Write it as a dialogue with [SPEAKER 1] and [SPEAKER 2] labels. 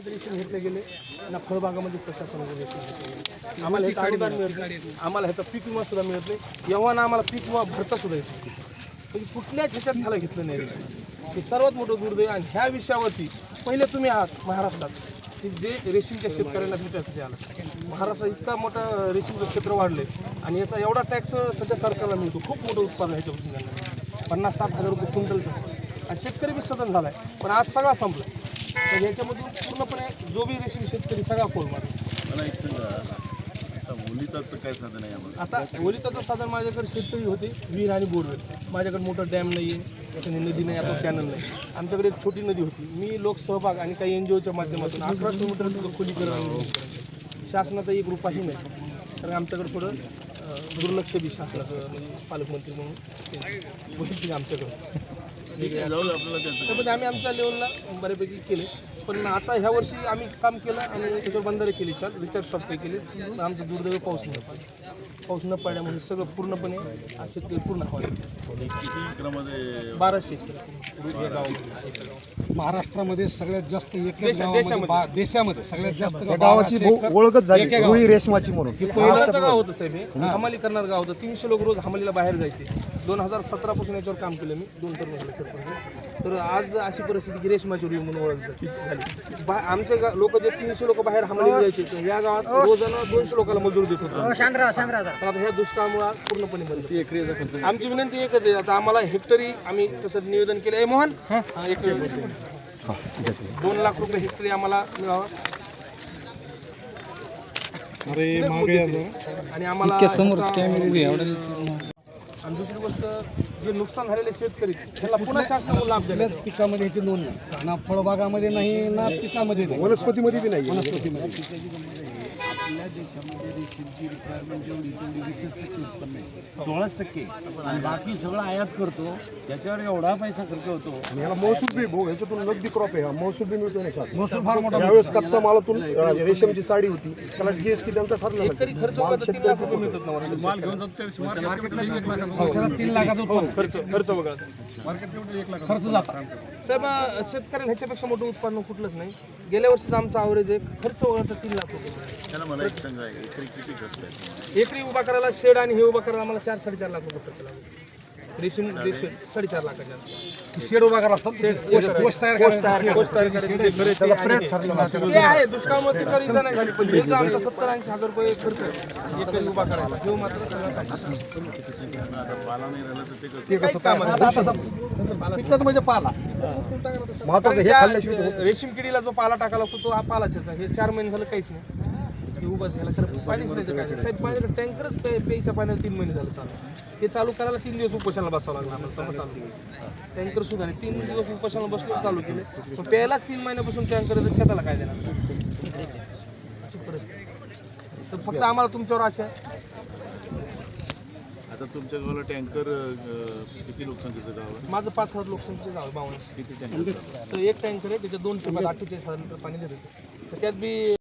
[SPEAKER 1] Ration घेतले गेले ना फळबागामध्ये प्रशासनाने रेशन घेतले गेले. आम्हाला ह्याचं अनुदान मिळत नाही, आम्हाला ह्याचा पीक विमा सुद्धा मिळत नाही. एव्हा ना आम्हाला पीक विमा भरता सुद्धा येत नाही. म्हणजे कुठल्याच ह्याच्यात ह्याला घेतलं नाही रेशन. हे सर्वात मोठं दुर्दैव. आणि ह्या विषयावरती पहिले तुम्ही आहात महाराष्ट्रात की जे रेशीमच्या शेतकऱ्यांना भेटायसाठी आलं. महाराष्ट्रात इतका मोठा रेशीमचं क्षेत्र वाढले आणि याचा एवढा टॅक्स सध्या सरकारला मिळतो. खूप मोठं उत्पादन ह्याच्यापासून झालं, 50-60 हजार रुपये क्विंटलचं. आणि शेतकरी बी सदन झाला आहे, पण आज सगळा संपला. तर याच्यामधून पूर्णपणे जो बी रेशीम शेतकरी सगळा कोल मारला.
[SPEAKER 2] मला एक सांगा, आता ओलिताचं काय साधन आहे आम्हाला?
[SPEAKER 1] आता ओलिताचं साधन माझ्याकडे शेतकरी होते, विहीर आणि बोरवेल. माझ्याकडे मोठा डॅम नाही आहे, त्याच्याने नदी नाही, आता कॅनल नाही. आमच्याकडे एक छोटी नदी होती. मी लोकसहभाग आणि काही NGOच्या माध्यमातून 11 किलोमीटर खोलीकरण, शासनाचा 1 रुपयाही नाही. तर आमच्याकडे थोडं दुर्लक्ष बी शासनाचं, म्हणजे पालकमंत्री म्हणून गोष्टी आमच्याकडं. त्यामध्ये आम्ही आमच्या लेवलला बऱ्यापैकी केले. पण आता ह्या वर्षी आम्ही काम केलं आणि त्याच्यावर बंधारे केली, छान रिचार्ज शॉप काही केले. पण आमचं दुर्दैव पाऊस न पडला. पाऊस न पडल्यामुळे सगळं पूर्णपणे शेतकरी पूर्ण हवा.
[SPEAKER 2] किती एकरामध्ये?
[SPEAKER 1] 1200 एकरी गावामध्ये.
[SPEAKER 3] महाराष्ट्रामध्ये सगळ्यात जास्त एकच गावामध्ये, देशामध्ये सगळ्यात जास्त
[SPEAKER 4] गावाची ओळखच झाली रुई रेशमाची म्हणून.
[SPEAKER 1] पहिल्याचं गाव होतं साहेब, हे हमाली करणार गाव होतं. 300 लोक रोज हमालीला बाहेर जायचे. 2017 पासून याच्यावर काम केलं मी, 2 टर्म झाले सरपंच. तर आज अशी परिस्थिती की रेशमाची रुई म्हणून ओळख झाली. आमचे लोक जे 300 लोक बाहेर हमालीला जायचे, या गावात रोजानं 200 लोकांना मजूर देत होतो. तर आता ह्या दुष्काळामुळे पूर्णपणे बंद. आमची विनंती एकच आहे, आता आम्हाला हेक्टरी आम्ही तसं निवेदन केलं आहे. मोहन, हेक्टरी 2 लाख रुपये हेक्टरी आम्हाला मिळावा. आणि आम्हाला आणि दुसरी गोष्ट, जे नुकसान झालेले शेतकरी त्याला पुन्हा शासनाला लाभ द्यायला.
[SPEAKER 3] पिकामध्ये याची नोंद नाही, ना फळबागामध्ये नाही, ना पिकामध्ये नाही,
[SPEAKER 4] वनस्पतीमध्ये बी नाही.
[SPEAKER 5] आपल्या देशामध्ये रेशीमची रिक्वायरमेंट जेवढी तेवढी 20% उत्पन्न आहे, 16%. आणि बाकी सगळं आयात करतो, त्याच्यावर एवढा पैसा खर्च होतो.
[SPEAKER 4] आणि ह्याला महसूल बी भाऊ, ह्याच्यातून नगदी क्रॉप आहे, महसूल बी मिळतो नाही शासन.
[SPEAKER 3] महसूल फार मोठा.
[SPEAKER 4] त्यावेळेस कच्चा मालातून रेशमची साडी होती, त्याला GST त्यांचा ठरला.
[SPEAKER 1] एकरी खर्च होता 3 लाख रुपये मिळतात ना वर्षाला.
[SPEAKER 5] माल घेऊन जातो
[SPEAKER 3] वर्षाला 3 लाखाचं उत्पन्न.
[SPEAKER 1] खर्च बघा
[SPEAKER 3] खर्च जाता
[SPEAKER 1] साहेब. शेतकऱ्याला ह्याच्यापेक्षा मोठं उत्पन्न कुठलंच नाही. गेल्या वर्षीचा आमचा ॲव्हरेज आहे खर्च वगळता 3 लाख रुपये.
[SPEAKER 2] त्याला मला एक सांगा, एकरी किती खर्च आहे?
[SPEAKER 1] एकरी उभा करायला शेड आणि हे उभा करायला आम्हाला 4-4.5 लाख रुपये खर्च लागतो. रेशीम 4.5 लाखाच्या.
[SPEAKER 3] शेड उभा करा असतात, पोस्ट तयार करायला.
[SPEAKER 1] पोस्ट तयार करायची, ते आहे दुष्काळामध्ये तर इजा नाही झाली, पण हे जो आमचा 70-80 हजार रुपये खर्च आहे एकरी उभा करायला, हे मात्र सगळं
[SPEAKER 2] आता पाला नाही राहिला तर ते कसं?
[SPEAKER 1] ते काहीच काम नाही.
[SPEAKER 3] पिकच म्हणजे पाला.
[SPEAKER 4] महत्वाचं हे खाल्ल्याशिवाय
[SPEAKER 1] रेशीम किडीला जो पाला टाकायला लागतो तो हा पालाच याचा. हे 4 महिने झालं काहीच नाही. हे उभा झाला खरं पाणीच नाही तर काय साहेब. पाण्याचं टँकरच प्यायच्या पाण्याला 3 महिने झालं चालू. ते चालू करायला 3 दिवस उपोषणाला बसावं लागलं आम्हाला. समज चालू टँकर सुद्धा नाही, 3 दिवस उपोषणाला बसलो, चालू केले. पण प्यायलाच 3 महिन्यापासून टँकर शेताला काय देणार अशी परिस्थिती. तर फक्त आम्हाला तुमच्यावर आशा आहे.
[SPEAKER 2] आता तुमच्या गावाला टँकर किती लोकसंख्येचं गाव आहे?
[SPEAKER 1] माझं 5,000 लोकसंख्येचं गाव आहे 52.
[SPEAKER 2] किती टँकर?
[SPEAKER 1] तर एक टँकर आहे, त्याच्यात 2 टिपात 48,000 लिटर पाणी देते. तर त्यात बी